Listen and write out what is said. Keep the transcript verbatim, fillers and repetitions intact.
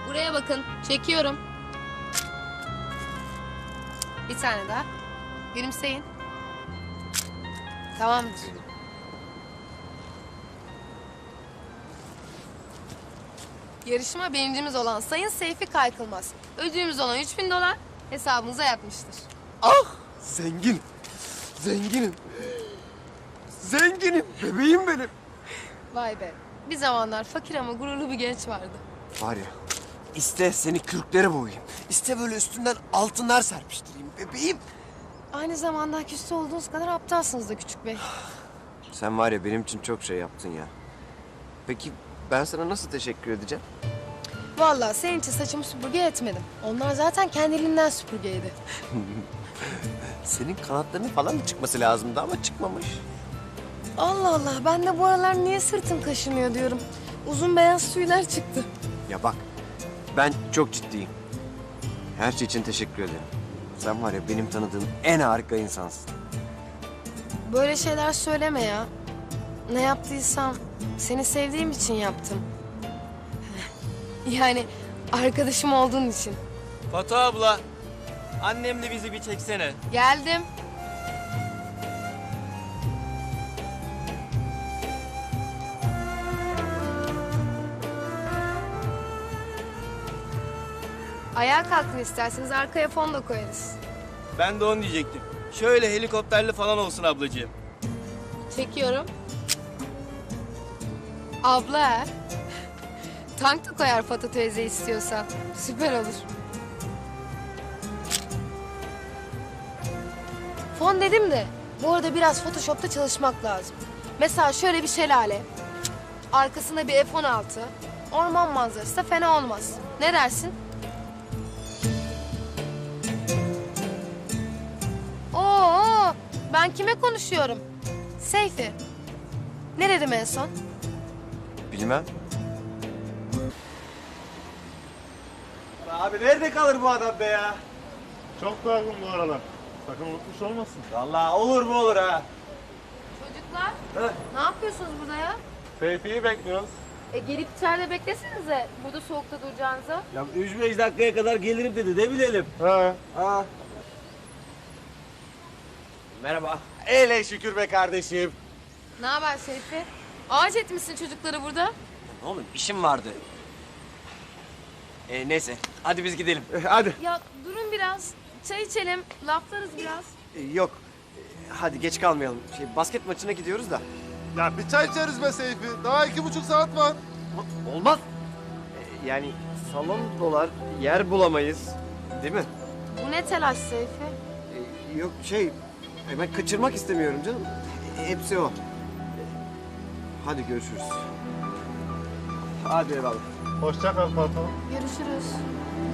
Buraya bakın. Çekiyorum. Bir tane daha. Gülümseyin. Tamamdır. Yarışma birincimiz olan Sayın Seyfi Kaykılmaz. Ödülümüz olan üç bin dolar hesabınıza yatmıştır. Ah! Zengin. Zenginim. Zenginim. Bebeğim benim. Vay be. Bir zamanlar fakir ama gururlu bir genç vardı. Var ya, iste seni kürklere boğayım. İste böyle üstünden altınlar serpiştireyim bebeğim. Aynı zamanda küstü olduğunuz kadar aptalsınız da küçük bey. Sen var ya benim için çok şey yaptın ya. Peki ben sana nasıl teşekkür edeceğim? Vallahi senin için saçımı süpürge etmedim. Onlar zaten kendiliğinden süpürgeydi. Senin kanatlarının falan mı çıkması lazımdı ama çıkmamış. Allah Allah, ben de bu aralar niye sırtım kaşınıyor diyorum. Uzun beyaz tüyler çıktı. Ya bak, ben çok ciddiyim. Her şey için teşekkür ederim. Sen var ya benim tanıdığım en harika insansın. Böyle şeyler söyleme ya. Ne yaptıysam seni sevdiğim için yaptım. Yani arkadaşım olduğun için. Fatu abla, annemle bizi bir çeksene. Geldim. Ayağa kalkın isterseniz, arkaya fon da koyarız. Ben de onu diyecektim. Şöyle helikopterli falan olsun ablacığım. Çekiyorum. Abla ha. Tank da koyar Fatih teyze istiyorsan. Süper olur. Fon dedim de bu arada biraz Photoshop'ta çalışmak lazım. Mesela şöyle bir şelale. Arkasında bir F on altı. Orman manzarası da fena olmaz. Ne dersin? Oo, ben kime konuşuyorum? Seyfi. Ne dedim en son? Bilmem. Abi nerede kalır bu adam be ya? Çok dargın bu aralar. Sakın unutmuş olmasın. Vallahi olur mu olur ha. Çocuklar, Heh. ne yapıyorsunuz burada ya? Seyfi'yi bekliyoruz. E gelip içeride beklesenize. Burada soğukta duracağınıza. Ya üç beş dakikaya kadar gelirim dedi, ne bilelim. He. Ha. Merhaba. Ele şükür be kardeşim. Ne haber Seyfi? Ağaç etmişsin çocukları burada. Oğlum işim vardı. Ee, neyse hadi biz gidelim. Hadi. Ya durun biraz. Çay içelim. Laflarız biraz. Ee, yok. Ee, hadi geç kalmayalım. Şey, basket maçına gidiyoruz da. Ya bir çay içeriz be Seyfi. Daha iki buçuk saat var. Olmaz. Ee, yani salon dolar, yer bulamayız. Değil mi? Bu ne telaş Seyfi? Ee, yok şey, e, ben kaçırmak istemiyorum canım. E, hepsi o. E, hadi görüşürüz. Hadi eyvallah. Hoşça kal Fatma. Görüşürüz.